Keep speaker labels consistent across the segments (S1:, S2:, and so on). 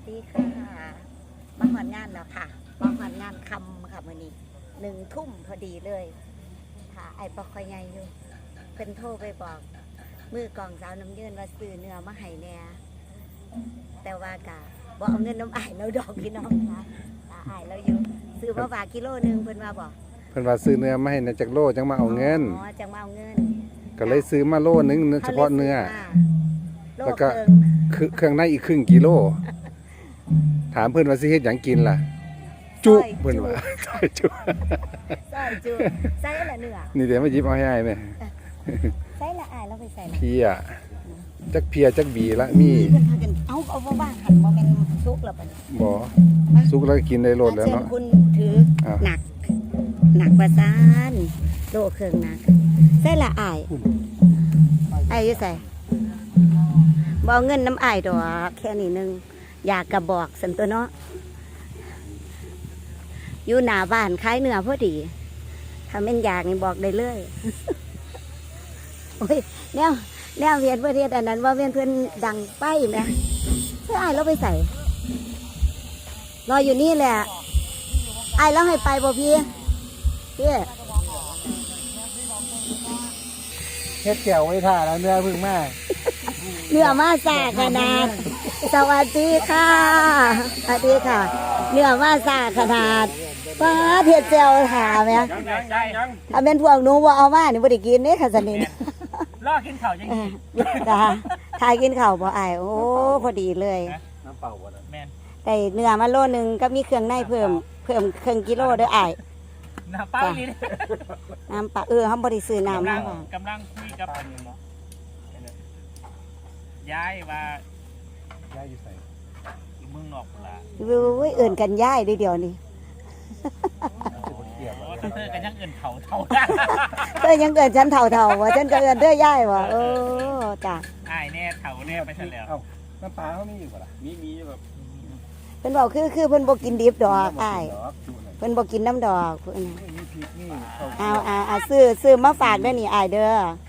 S1: ดีค่ะมาหอนงานแล้วค่ะมาหอนงานคำค่ะมื้อนี้1 ทุ่มพอดีเลยค่ะไอ้ปอคอยใหญ่อยู่เพิ่นโทรไปบอกมือกองสาวน้ำยืนว่าซื้อเนื้อมาให้แน่แต่ว่ากะบ่เอาเงินน้ำอ้ายแล้วดอกพี่น้องค่ะอ้ายแล้วอยู่ซื้อมาฝากกิโลนึงเพิ่นว่าบอก
S2: เพิ่นว่าซื้อเนื้อมาให้ในจักโลจังมาเอาเงิน
S1: อ๋อจังมาเอาเงิน
S2: ก็เลยซื้อมาโลนึงเฉพาะเนื้อแล้วก็เครื่องในอีกครึ่งกิโลถามเพิ่นว่าสิเฮ็ดหยังกินล่ะจุเพิ่นว่าซอยจุ
S1: ใส่ละเนื้อ
S2: นี่เดี๋ยวมาหยิบเอาให้อ้ายแม่
S1: ใส่ละอ้ายแล้วไปใส่ละ
S2: เพียจักเพียจักบีละมี
S1: เพิ่นพากันเอาบ่บ้างหันบ่แม่นสุกแล้วบัดนี้
S2: บ่สุกแล้วก็กินได้โลดแล้วเนาะ
S1: คุณถือหนักประสานโลเครื่องหนักใส่ละอ้ายอยู่ใส่บ่เอาเงินน้ำอ้ายดอกแค่นี้นึงอยากกระบอกสันตัวเนาะอยู่หน้าบ้านขายเนื้อพอดีถ้าแม่นอยากนี่บอกได้เลยโอ้ยแนวเวียนประเทศอันนั้นว่าเวียนเพื่อนดังไปไหมเพื่ออ้ายเราไปใส่รออยู่นี่แหละอ้ายเราให้ไปบ่พี่
S2: เฮ็ดแก้วไว้ท่าแล้วเนื้อพึ่งมา
S1: เนื้อมาสาขนาดสวัสดีค่ะสวัสดีค่ะเนื้อมาสาขนาดป้าเทียดเจลถามไหมถ้าเป็นพวกหนูว่าเอามานี่บ่ได้กินนี่ค่ะสนิท
S3: รอกินข้าวยังกิน
S1: จ้าทายกินข้าวบ่อ้ายโอ้พอดีเลย
S3: น้ำเปล่าบ่แม่น
S1: ได้เนื้อมาโลนึงก็มีเครื่องในเพิ่มครึ่งกิโลเด้ออ้าย
S3: น้ำเปล่านี่
S1: น้ำปลาเฮาบ่ได้ซื้อน้ำมาก
S3: ำลังคุยกับย้ายว่า
S2: ย้ายอยู่ไส
S3: เมืองนอกพุ่นล่ะ
S1: เว้ยเอิ้นกันย้ายเดี๋ยวนี้
S3: เธอกันยังเอิ้นเฒ่า
S1: เธอยังเอิ้นฉันเฒ่าว่าฉันก็เอิ้นเธอย่ายว่าจ้ะ
S3: อ้ายแน่เฒ่าแน่ไปซะแล้ว
S2: น้ำปลาเฮามีอยู่บ่ล่ะมีแบบ
S1: เพิ่นบอกคือเพิ่นบ่กินดิบดอกอ้ายเพิ่นบ่กินน้ำดอกเพิ่นเอาซื้อมาฝากเด้อนี่อ้ายเด้อ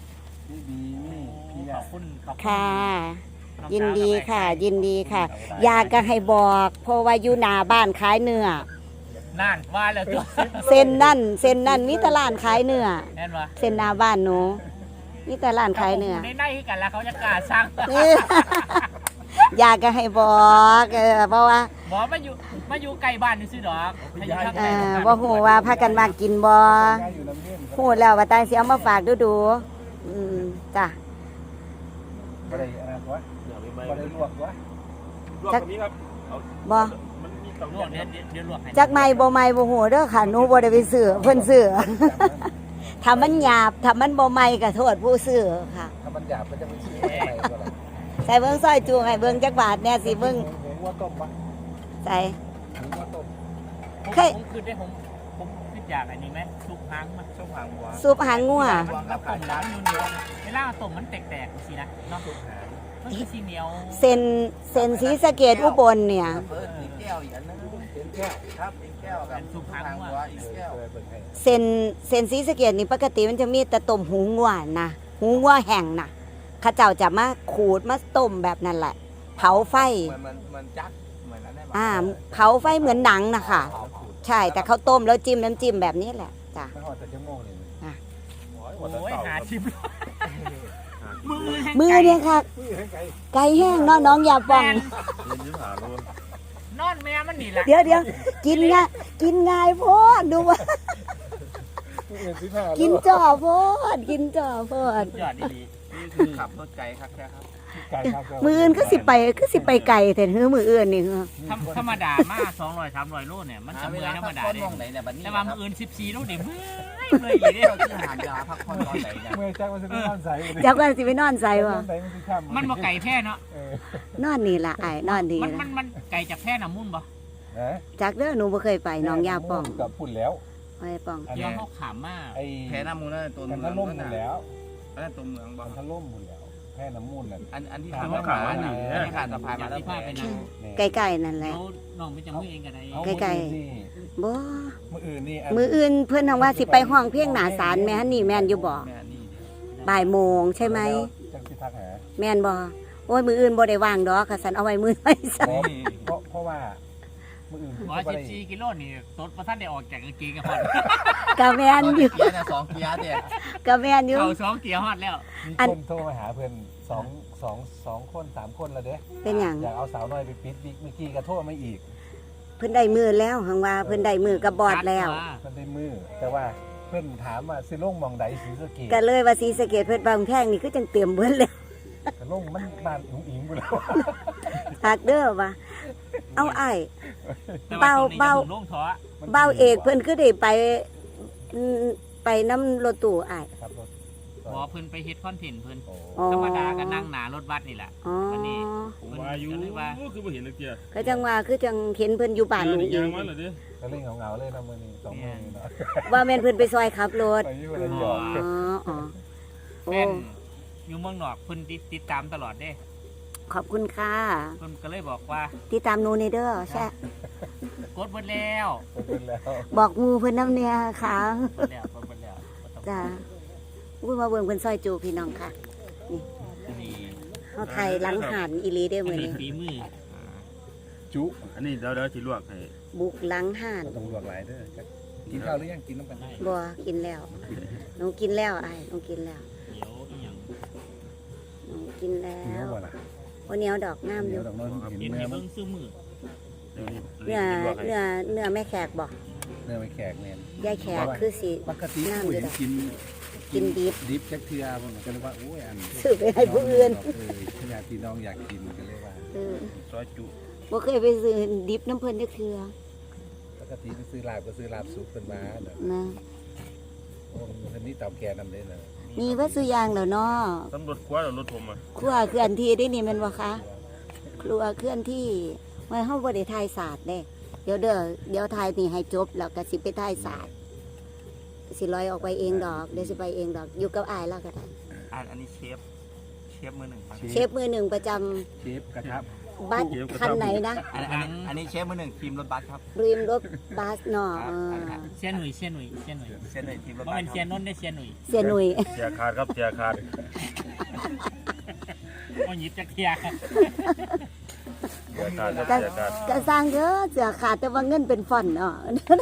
S3: ขอบคุณ
S1: ค่ะยินดีค่ะอยากก็ให้บอกเพราะว่าอยู่หน้าบ้านขายเนื้อ
S3: นั่นว่าแล้วตัว
S1: เส้นนั่นมีตลาดขายเนื้อ
S3: แม่นบ่
S1: เส้นหน้าบ้านหนูมีตลาดขายเนื้อ
S3: ในคือกันแล้วเขาจะกล้าสร้าง
S1: อยากก็ให้บอกเพราะว่า
S3: บ่มาอยู่ใกล้บ้านนี่ซื่อดอก
S1: บ่ฮู้ว่าพากันมากินบ่ฮู้แล้วว่าตายสิเอามาฝากดูจ้ะ
S2: บ่ได้อะไรวะบ่ได้ลวกวะ
S3: จักนี้ครับ
S1: บ่
S3: มันมีต้องลวกเดี๋ยวลวกให้
S1: จักใหม่บ่ใหม่บ่ฮู้เด้อค่ะหนูบ่ได้ไปซื้อเพิ่นซื้อถ้ามันหยาบถ้ามันบ่ใหม่ก็โทษผู้ซื้อค่ะ
S2: ถ้ามันหยาบมันจะไม่ซื้อใหม่ก็ล่ะ
S1: ใส่เบิ่งซอยจูให้เบิ่งจักบาทแน่สิเบิ่ง
S2: หัวต้มปะ
S1: ใส่
S2: หัวต้ม
S3: ผมคือได้ผมคิดอยากอันนี้ไหมซุปหางมันซุปหางวัว
S1: ซุปหางงัว
S3: กับต้มน้ำเหนียวเวลาต้มมันแตกๆสินะเนาะมันคือสีเหนียว
S1: เส้นศรีสะเกษอุบลเนี่ย
S2: แก้วอีกอันนึงเป็นแก้วครับเป็นแก้วกับ
S3: ซุปหางวัวอีกแก้ว
S1: เส้นศรีสะเกษนี่ปกติมันจะมีแต่ต้มหูงัวนะหูงัวแห้งนะข้าเจ้าจะมาขูดมาต้มแบบนั้นแหละเผาไฟ
S2: มันจักเหมือนนั้น
S1: ได้เผาไฟเหมือนหนังนะคะใช่แต่เขาต้มแล้วจิ้มน้ำจิ้มแบบนี้แหละจ้ะ
S3: โอ้ยหาชิม
S1: มือเนี่ยค่ะไก่แห้งเนาะน้องอย่าปอง
S3: นอนแม่มันนี่แหละ
S1: เดี๋ยวกินง่ายโพดดูว่ากินจ่อโพด
S3: ยอดดีขับรถไกลครับแค่ครับ
S1: มืออื่นก็สิไปไก่แต่มืออื่นนี่
S3: ธรรมดามา200-300 โลเนี่ยมันจะเมื่อยธรรมดาเลยแต่ว่ามืออื่น14 โลเดี๋ยวเมื่อยอีกเด้
S2: ที่หายาพักผ่อนตอนไหนเนี่ยเมื่อยจักมันสิไปนอนใส่
S1: จักมันสิไปนอนใส่วะ
S3: มันบ่ไก่แพ้เนาะ
S1: นอนนี่ล่ะอ้ายนอนนี่
S3: มันไก่จากแพ้น้ำมุ่นบ่
S1: จักเด้อหนูบ่เคยไปน้องยาป้อง
S2: กับพุ่นแล้ว
S1: ไอ้ป้อง
S3: เดี๋ยวเขาขามมา
S2: แพ้น้ำมูลนั่นตัวเมืองล่มหมดแล้วนั่นตัวเมืองบ่มันล่มหมดแล้วแพ้น้ำมูลนั่น
S3: อันที่เขาขามมาที่ขาดสะพายมาที่พาไปนั่ง
S1: ไกลๆนั่นแหละ
S3: น้องไปจังมือเองกัน
S1: ได้ไกลๆบ่มืออื่นเพิ่นทางว่าสิไปห้องเพียงหน้าศาลแม่นนี่แม่นอยู่บ่บ่ายโมงใช่ไหม
S2: จังสิทักหา
S1: แม่นบ่โอ้ยมืออื่นบ่ได้ว่างดอกค่ะสันเอาไว้มือไว้ซะ
S2: เพราะว่ามื้ออื่น
S3: 114กิโลนี่ตดบ่ทันได้ออกจากกางเกงกันฮอด
S1: กะแมนอยู่
S4: เกียร์เนี่ย2เกียร์เนี่ย
S1: กะแมนอยู่
S3: เข้า2เกียร์ฮอดแล้ว
S2: มี
S1: อัน
S2: คนโทรมาหาเพิ่น2คน3คนแล้วเด้
S1: เป็นหยัง
S2: อยากเอาสาวน้อยไปปิดวิกเมื่อกี้ก็โทรมาอีก
S1: เพิ่นได้มือแล้วหังว่าเพิ่นได้มือกับบอดแล้ว
S2: เพิ่นได้มือแต่ว่าเพิ่นถามว่าสิลงหม่องใดศรีสะเกษ
S1: ก็เลยว่าศรีสะเกษเพิ่นบางแพงนี่คือจังเตรียมเบิ่นแล้ว
S2: ก็ลงมันบ้านอุ๋งอิงพุ่นแล้ว
S1: หากเด้อว่าเอาอ้าย
S3: แต่ว่าตรงนี้
S1: เบา
S3: จะถึงลงท้อ
S1: เบ้าเอกเพิ่นคือได้ไปน้ำรถตู้อ้าย
S2: ครับรถ
S3: บ่เพิ่นไปเฮ็ดคอนเทนต์เพิ่น
S2: โอ้
S1: อ๋อ
S3: ธรรมดาก็นั่งหน้ารถบัสนี่แหละ
S1: อ๋อ
S3: วันนี้
S5: ผมว่าอยู่
S3: ก็เลยว่า
S5: คือบ่เห็นเลยเกียร์
S1: ก็จังว่าคือจังเห็นเพิ่นอยู่บ้านหนู
S5: นี่
S1: เอย
S5: าง
S1: ง
S5: มันเหรอเด้อ
S2: ก็เล่นเหงาๆเลยนะมื้อนี้2มื้อนี้เนาะ
S1: ว่าแม่นเพิ่นไปซอยขับรถ
S2: ไปอยู่ระยอง
S1: อ๋ออ๋อโอ้
S3: แม่นอยู่เมืองนอกเพิ่นติดตามตลอดเด้
S1: ขอบคุณค่ะ
S3: เพิ่นก็เลยบอกว่า
S1: ติดตามหนูในเด้อแช่
S3: กดเบิดแล้ว
S2: เป็นแล้ว
S1: บอกหมูเพิ่นน้ำเนี่ยค่ะ
S3: กดแล้วกดเบิดแล้วบ่ต้อง
S1: จ้าอุ้ยมาเบิ่งเพิ่นซอยจูพี่น้องค่ะ
S3: นี่
S1: เฮาไทยหลังหันอีหลีได้อ
S3: อั
S1: มื้
S3: น
S1: อ
S3: นี้
S1: นี้
S3: ฝีมือ
S2: จุ
S5: อันนี้เดี๋ยวสิลวกให้
S1: บุกหลังหัน
S2: ต้องลวกหลายเด้อกินข้าวหรือยังกินน้ำกัน
S1: บ่กินแล้วหนูกินแล้วอ้ายหนูกินแล้ว
S3: เดี๋ยวอีหยัง
S1: หนูกินแล้
S2: กินแล้ว
S1: ว
S2: บ่ล่ะ
S1: วันนี้เอาดอกงามอ
S2: เดี๋ย
S1: ยู่
S2: วดอกน้อยเห็น
S3: เห็น
S2: เนื้
S3: ให้
S2: อมั
S3: เบิ่
S2: น
S3: งซื่อมือ
S5: เดี๋ยวนี้
S1: เนื้อ
S5: ลวกให้
S1: เนื้อแม่แขกบ่
S2: เนื้อไม่แขกแม่น
S1: ยายแขกคือสิ
S2: ปกติผู้เห็นกิน
S1: กินดิบ
S2: ดิบจักเทื่อเพิ่นก็เลยว่าโอ้ยอัน
S1: ซื้อไปให้ผู้อื่น
S2: ญาติพี่น้องอยากกินก็เลยว่า
S1: เออ
S5: ซอยจุ
S1: บ่เคยไปซื้อดิบน้ำเพิ่นจักเทื่อ
S2: ปกติไปซื้อลาบก็ซื้อลาบสุกเพิ่นมาเนาะ
S1: นะ
S2: โอ้เพิ่นนี่เตาแก่นำได้เนาะ
S1: มีวัตถุอย่างแล้วเนาะ
S5: ตำรวจกว่าแล้วรถผมอ่ะ
S1: ครัวเคลื่อนที่ได้นี่แม่นบ่คะครัวเคลื่อนที่ไว้เฮาบ่ได้ถ่ายศาสตร์เด้เดี๋ยวถ่ายนี่ให้จบแล้วก็สิไปถ่ายศาสตร์สิลอยออกไปเองดอกเดี๋ยวสิไปเองดอกอยู่กับอ้ายแล้วก็ได้
S4: อันนี้เชฟมือหนึ่งครับ
S1: เชฟมือหนึ่งประจำ
S2: เชฟกระทะ
S1: บัสคันไหนนะ
S4: อันนี้เชฟมือหนึ่งทีมรถบัสครับ
S1: ริมรถบัสเนาะ
S3: เสียหนุ่ย
S4: เชฟหนึ่งทีมรถ
S3: บ่
S4: บัส
S3: เป็น
S4: ค
S3: เสีย
S4: รับ
S3: นนท์ได้เสียหนุ่ย
S1: เสียหนุ่ย
S5: เสียขาดครับเสียขาด
S3: บ่หยิบจักเที่ย
S5: เสียขาดครับ
S1: ก็
S5: เสียขาด
S1: ก็สร้างเยอะเสือขาดแต่ว่าเงินเป็นฟอนต์เนาะ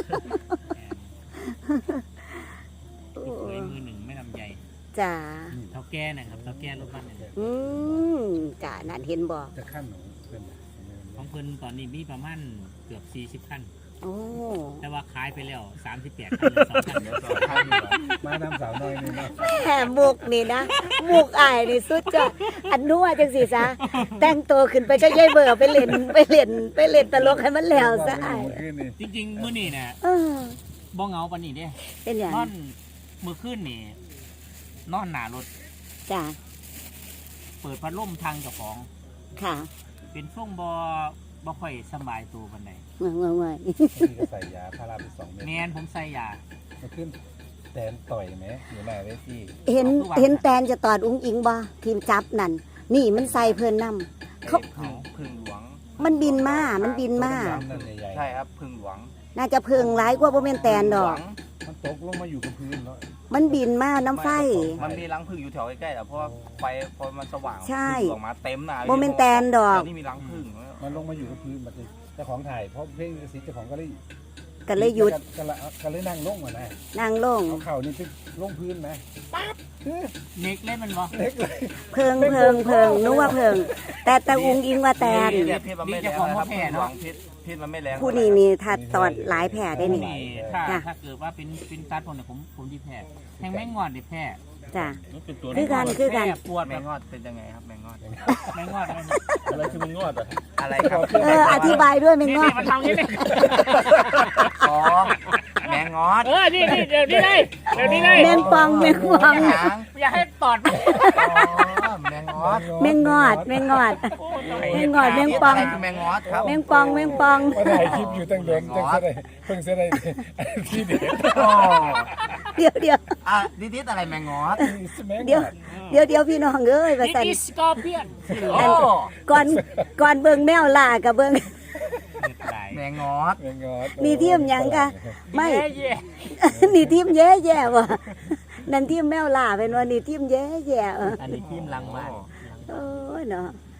S3: พี่เคยมือหนึ่งไม่ลำใหญ่
S1: จ้า
S3: เท่าแก่นะครับเท่าแก่รถบัสเนี่ย
S1: จ้านั่นเห็นบ่
S2: จะขั้นของเพิ่นน่ะ
S3: ของเพิ่นตอนนี้มีประมาณเกือบ40คัน
S1: โอ้
S3: แต่ว่าขายไปแล้ว38คันเหลือ2คัน
S4: เดี๋ยวสองท่านดีกว่า
S2: มาทำสาวน้อยนี่เนาะ
S1: แหมมุกนี่นะมุกอายนี่สุดจ้ะอันนัวจังสิซะแต่งตัวขึ้นไปก็ย่ายเบอร์ไปเล่นตลกให้มันแล้วซะอาย
S2: เมื่อคืนนี่
S3: จริงๆมื้อนี้น่ะ
S1: เออ
S3: บ่เหงาปานนี้เด้
S1: เป็นอย่าง
S3: นอนมื้อคืนนี่นอนหน้ารถ
S1: จ้า
S3: เปิดพัดลมทางเจ้าของ
S1: ค่ะ
S3: เป็นช่วงบ่ค่อยสบายตัวปานใด
S1: เมื่อย
S2: บางทีก็ใส่ยาพาราไป2เม็ด
S3: แม่นผมใส่ยา
S2: เมื่อคืนแตนต่อยไหมอยู่หน้าเวที
S1: เห็นแตนจะตอดอุ้งอิงบ่ทีมจับนั่นนี่มันใส่เพิ่นนำ เขา
S4: พึ่งหลวง
S1: มันบินมามันบินมา
S2: นั่นใหญ่
S4: ใช่ครับพึ่งหลวง
S1: น่าจะเพิงร้ายกว่าบ่แม่นแตนดอก
S2: ๆมันตกลงมาอยู่กับพื้นเนาะ
S1: มันบินมาน้ำไฟ
S4: มันมีรังพึ่งอยู่แถวใกล้ๆแต่เพราะว่าไฟพอมันสว่าง
S1: ใช่
S4: พึ่งออกมาเต็มนะ
S1: บ่แม่นแตนดอก
S4: นี่มีรังพึ่ง
S2: มันลงมาอยู่กับพื้นมันเลยเจ้าของถ่ายเพราะเพลงสิเจ้าของก็เลย
S1: ก็เลยหยุด
S2: ก็เลยนั่งลงอ่ะนะ
S1: นั่งลง
S2: เอาเข่านี่ไปลงพื้นนะ
S3: เน็กเล่นมันบ่
S2: เล็กเลย
S1: เพิงนึกว่าเพิง แต่อุ้งอิงว่าแตน
S4: เนี่ยเพชรมันไม่แรงนะครับพึ่งหลวงเพชรมันไม่แรง
S1: ผู้นี้นี่ถ้าตอดหลายแผลได้นี่ จ้ะ
S3: ถ้าเกิดว่าเป็นตัดผมเนี่ยผมดีแพ้แทงแมงงอดดิแพ้
S1: จ้ะ
S5: มันเป็นตัว
S1: คือกัน
S3: แพ้ปวด
S4: แม
S3: แบบ
S4: งงอดเป็นยังไงครับแมงงอด
S3: แมงงอดมัน
S5: อะไรคือมันงอดอ่ะ
S4: อะไรครับ
S1: อธิบายด้วยไม่งอ
S3: นี่
S1: ก
S3: มันทำนี่นี่
S4: อ๋อแมงงอด
S3: นี่เดี๋ยวนี้เลยเดี๋ยวนี้เลย
S1: แมงปอง
S4: หาง
S3: อย่าให้ตอดไป
S4: อ๋อแมงงอด
S1: แมงงอด แมงปอง
S4: อะไรคือแมงงอดครับ
S1: แมงปอง
S2: มาถ่ายคลิปอยู่ตั้งเดือนจังได้เพิ่งจะได้ที่เด็ด
S4: อ๋อ
S1: เดี๋ยว
S4: อ่ะดิดอะไรแมงงอด
S1: เดี๋ยวพี่น้องเอ้ยว่า
S3: นี่
S1: ซั่น
S3: อีสกอร์เปียน
S4: โอ้
S1: ก่อนเบิ่งแมวล่ากับเบิ่ง
S4: แมงงอด
S2: แมงงอด
S1: นี่ทีมหยังกะไม่
S3: เย่
S1: นี่ทีมแย่ๆว่ะนั่นทีมแมวล่าเป็นว่านี่ทีมแย่ๆ
S3: อันนี้ทีมลังบ้าน
S1: โอ้ยเนาะ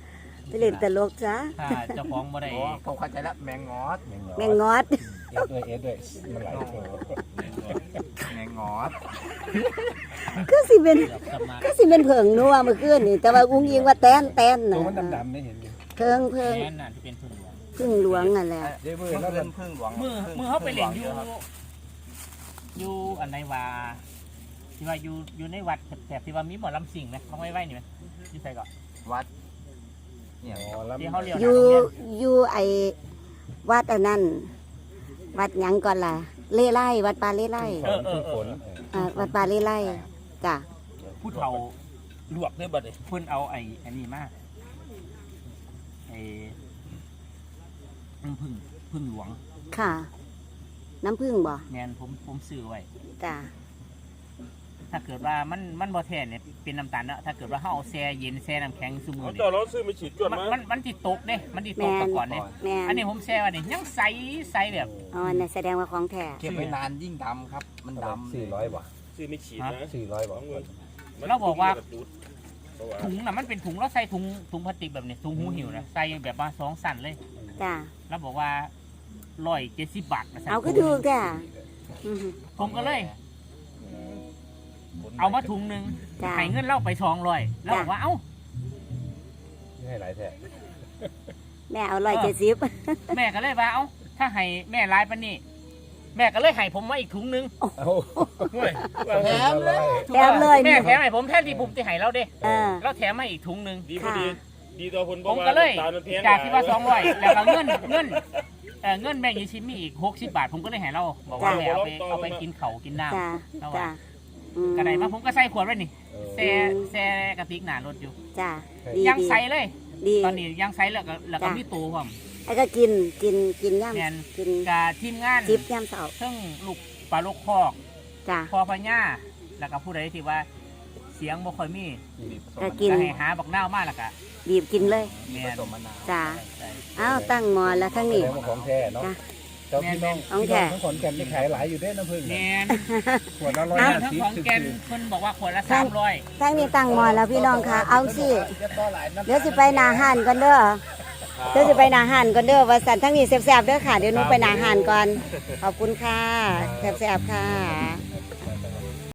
S1: ไปเล่นตลกจ้ะ
S3: ถ้าเจ้าของบ่ได้
S4: โอ้ผมเข้าใจแล้วแมงงอด
S1: แม่งอด
S2: เอ็ดด้วยมันหลายตัว
S4: แมงงอด
S1: ก็สิเป็น
S3: แบบสมัคร
S1: ก็สิเป็นเผิงนัวเมื่อคืนนี่แต่ว่าอุ้งอิงว่าแต้น
S2: ตัว
S1: น่ะ
S2: มันดำๆไม่เห็นอยู่
S1: เพิง
S3: แม่นน่ะที่เป็นพึ่งหลวง
S1: พึ่งหลวงนั่นแหละ
S2: เดี๋ยวมือ
S4: เมื่อ
S2: แล้ว
S4: คื
S2: มัน
S4: นพึ่งหลวง
S3: มือเขาไปเล่นอยู่อันไหนว่าที่ว่าอยู่ในวัดแถบที่ว่ามีหมอลำสิ่งนะเขาไว้นี่มั้ยที่ใส่ก่อน
S4: วัดเนี่ย
S2: อ๋อแล้ว
S3: ที่เขาเรียก
S1: อยู่ไอ้วัดอันนั้นวัดหยังก่อนล่ะ เล่ไล่วัดปลาเล่ไล่
S2: ฝน
S1: วัดปลาเล่ไล่จ้ะ
S3: ผู้เฒ่า
S5: ลวกได้บัดนี้
S3: เพิ่นเอาอันนี้มาไอ้น้ำพึ่งหลวง
S1: ค่ะ น้ำผึ้งบ่
S3: แมนผมซื้อไว้
S1: จ้ะ
S3: ถ้าเกิดว่ามันบ่แท้เนี่ยเป็นน้ำตาลเนาะถ้าเกิดว่าเฮาเอาแช่เย็นแช่น้ำแข็งซุมื้
S5: เอา
S3: อ
S5: เจ้า
S3: นี่
S5: เราซื้อมาฉีดจวดมา
S3: มันสิตกเด้มันสิตกตะก่อนเด้
S1: แม่น
S3: อันนี้ผมแช่ไว้นี่ยังใสแบบ
S1: อ๋อนั่นแสดงว่าของแท้
S4: เก็บไว้นานยิ่งดำครับ มันดำ
S2: 400 บาท
S5: ซื้อไม่ฉีดนะ
S2: 400 บาท
S3: เราบอกว่าถุงน่ะมันเป็นถุงเราใส่ถุงพลาสติกแบบนี้ถุงหูหิวนะใส่แบบว่า2สั่นเลย
S1: จ้ะ
S3: แล้วบอกว่า170 บาทนะ
S1: เอาก็ถูกจ้ะอือหือ
S3: ผมก็เลย เอามาถุงหนึง
S1: จ้ะ
S3: ให้เงินเราไป200แล้วบอกว่าเอ้า
S2: ให้หลายแท้
S1: แม่เอา170
S3: แม่ก็เลยว่าเอ้าถ้าให้แม่ร้ายปานนี้แม่ก็เลยให้ผมมาอีกถุงหนึง
S4: แถมเลย
S1: แถมเลย
S3: แม่แถมให้ผมแทนที่ผมจะให้เราเด้
S1: เออ
S3: เราแถมมาอีกถุงหนึง
S5: ดีพอดี ดีต่อคน
S3: ผมก็เลยจากที่ว่า200แล้วก็เงินเงินแม่ยี่ชิ้นมีอีก60 บาท ผมก็เลยให้เราบอกว่าแม่เอาไปกินเขาวกินน้ำ
S1: จ้ะ
S3: แล้ว
S1: จ้ะ
S3: ว่า
S1: อืม
S3: กระไดมาผมก็ใส่ขวดไว้นี่แซ่กระติกหนารถอยู่
S1: จ้ะดี
S3: ยัง
S1: ดี
S3: ใส่เลย
S1: ดี
S3: ตอนนี้ยังใส่แล้วก็มีตัวผม
S1: ไอ้ก็กินย่
S3: แม่น
S1: ำกิน
S3: กับทีมงาน
S1: จิบย่ำเสา
S3: ซึ่งลูกปลาลูกคอก
S1: จ้ะ
S3: พอพญ่าแล้วก็ผู้ใดที่ว่าเสียงบ่ค่อยมี
S1: ก็กิน
S3: ก็ให้หาบักนาวมาแล้วก็
S1: บีบกินเลย
S3: แม่
S4: ผ
S3: น
S4: สมมะนาว
S1: จ้ะอ้าวตั้งหมอแล้วทั้งนี้
S2: แล้วของแท้เนาะ
S1: จ้ะ
S2: เจ้าพี่น้อง
S1: ของ
S2: พี่
S1: แท้
S2: น้องทั้งขอนแก่นนี่ขายหลายอยู่เด้น้ำผึ้ง
S3: แม่น
S2: ขวดละ
S3: ทั้งของแกนเพิ่นบอกว่าขวดละ300
S1: ทั้งนี้ตั้งหมอแล้วพี่น้องค่ะ เอาสิเดี๋ยวสิไปหนาหันก่อนเด้อเดี๋ยวสิไปหนาหันก่อนเด้อว่าสันทั้งนี้แซ่บๆเด้อค่ะเดี๋ยวหนูไปหนาหันก่อนขอบคุณค่ะแซ่บๆค่ะ